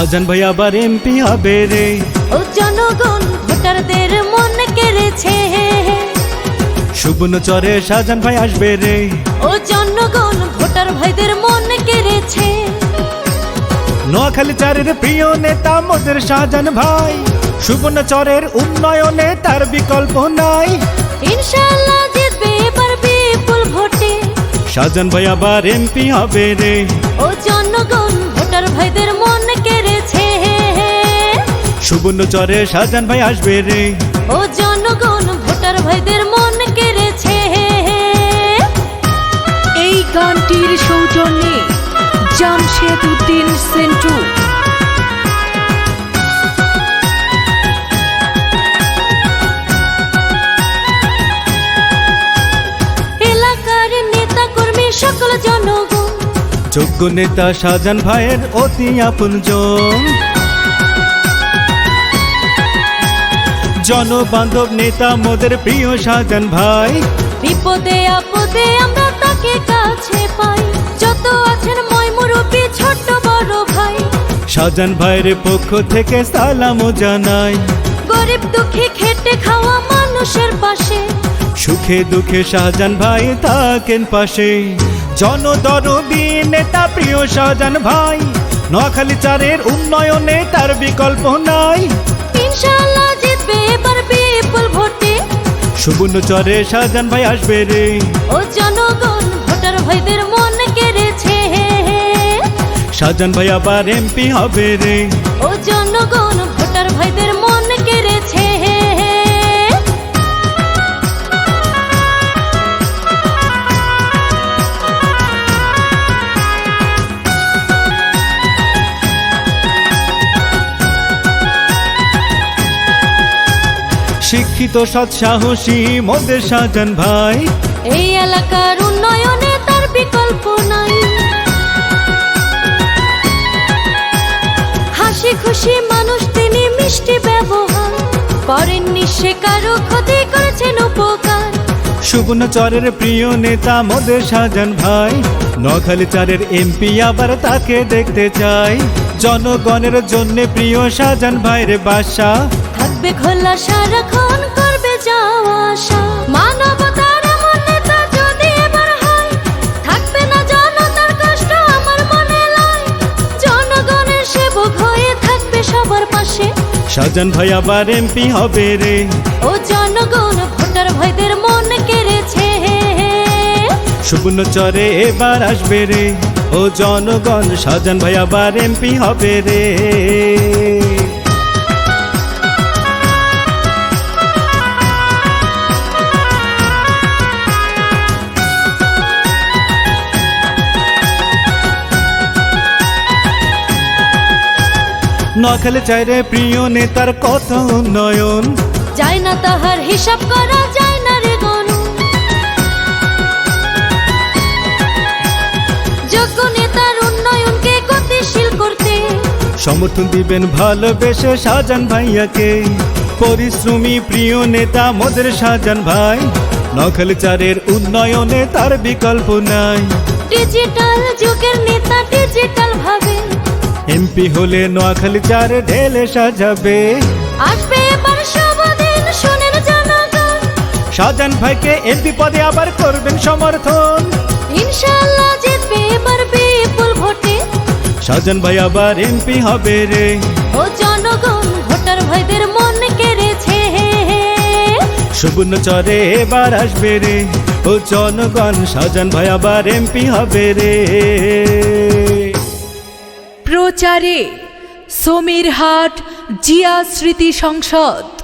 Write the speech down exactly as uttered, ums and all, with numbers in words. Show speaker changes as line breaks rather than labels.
শাহজাহান ভাই আবার এমপি হবে রে।
ও জনগণ ভোটারদের মন কেড়েছে,
সুবর্ণচরে শাহজাহান ভাই আসবে রে।
ও জনগণ ভোটার ভাইদের মন কেড়েছে।
নোয়াখালী চারের প্রিয় নেতা মোদের শাহজাহান ভাই, সুবর্ণচরের উন্নয়নে তার বিকল্প নাই।
ইনশাআল্লাহ জিতবে এবার বিপুল ভোটে,
শাহজাহান ভাই আবার এমপি হবে রে।
ও জনগণ ভোটার ভাইদের মন কেড়েছে,
সুবর্ণচরে শাহজাহান ভাই আসবে রে।
ও জনগণ ভোটার ভাইদের মন কেড়েছে।
এই গানটির সৌজন্যে জামশেদ উদ্দিন সেন্টু।
এলাকার নেতা কর্মী সকল জনগণ,
যোগ্য নেতা শাহজাহান ভাইয়ের অতি আপনজন। জনবান্ধব নেতা মোদের প্রিয় শাহজাহান ভাই,
বিপদে আপদে আমরা তাকে কাছে পাই। যত আছেন ময়মুরব্বি ছোট বড় ভাই,
শাহজাহান ভাইয়ের পক্ষ থেকে সালাম জানাই।
গরিব দুঃখী খেটে খাওয়া মানুষের পাশে,
সুখে দুঃখে শাহজাহান ভাই থাকেন পাশে। জনদরদী নেতা প্রিয় শাহজাহান ভাই, নোয়াখালী চারের উন্নয়নে তার বিকল্প নাই।
ইনশাআল্লাহ জিতবে এবার বিপুল ভোটে,
সুবর্ণচরে শাহজাহান ভাই আসবে রে।
ও জনগণ ভোটার ভাইদের মন কেড়েছে,
শাহজাহান ভাই আবার এমপি হবে রে।
ও জনগণ ভোটার ভাইদের মন কেড়েছে।
শিক্ষিত সৎ সাহসী মোদের শাহজাহান ভাই,
এই এলাকার উন্নয়নে তার বিকল্প নাই। হাসি খুশি মানুষ তিনি, মিষ্টি ব্যবহার করেননি সে কারো ক্ষতি, করেছেন উপকার।
সুবর্ণচরের প্রিয় নেতা মোদের শাহজাহান ভাই, নোয়াখালী চারের এমপি আবার তাকে দেখতে চাই। জনগণের জন্য প্রিয় শাহজাহান ভাইয়ের বাসা,
থাকবে খোলা সারাক্ষণ, করবে যাওয়া আসা। মানবতার এমন নেতা যদি এবার হয়, থাকবে না জনতার কষ্ট আমার মনে লয়। জনগণের সেবক হয়ে থাকবে সবার পাশে,
শাহজাহান ভাই আবার এমপি হবে রে।
ও জনগণ ভোটার ভাইদের মন কেড়েছে,
সুবর্ণচরে এবার আসবে রে। ও জনগণ শাহজাহান ভাই আবার এমপি হবে রে। নোয়াখালী চাইরে প্রিয় নেতার কত উন্নয়ন,
যায় না তাহার হিসাব করা যায় না রে গণু। যোগ্য নেতার উন্নয়নকে গতিশীল করতে,
সমর্থন দিবেন ভালোবেসে শাহজাহান ভাইয়াকে। পরিশ্রমী প্রিয় নেতা মোদের শাহজাহান ভাই, নোয়াখালী চারের উন্নয়নে তার বিকল্প নাই।
ডিজিটাল যুগের নেতা ডিজিটাল ভাবে,
এমপি হলে নোয়াখালী চারে ঢেলে সাজাবে।
আসবে এবার শুভদিন শুনেন জনগণ,
শাহজাহান ভাইকে এমপি পদে আবার করবেন সমর্থন।
ইনশাআল্লাহ জিতবে এবার বিপুল ভোটে,
শাহজাহান ভাই আবার এমপি হবে রে।
ও জনগণ ভোটার ভাইদের মন কেড়েছে,
সুবর্ণচরে এবার আসবে রে। ও জনগণ শাহজাহান ভাই আবার এমপি হবে রে।
প্রচারে সমীরহাট জিয়া স্মৃতি সংসদ।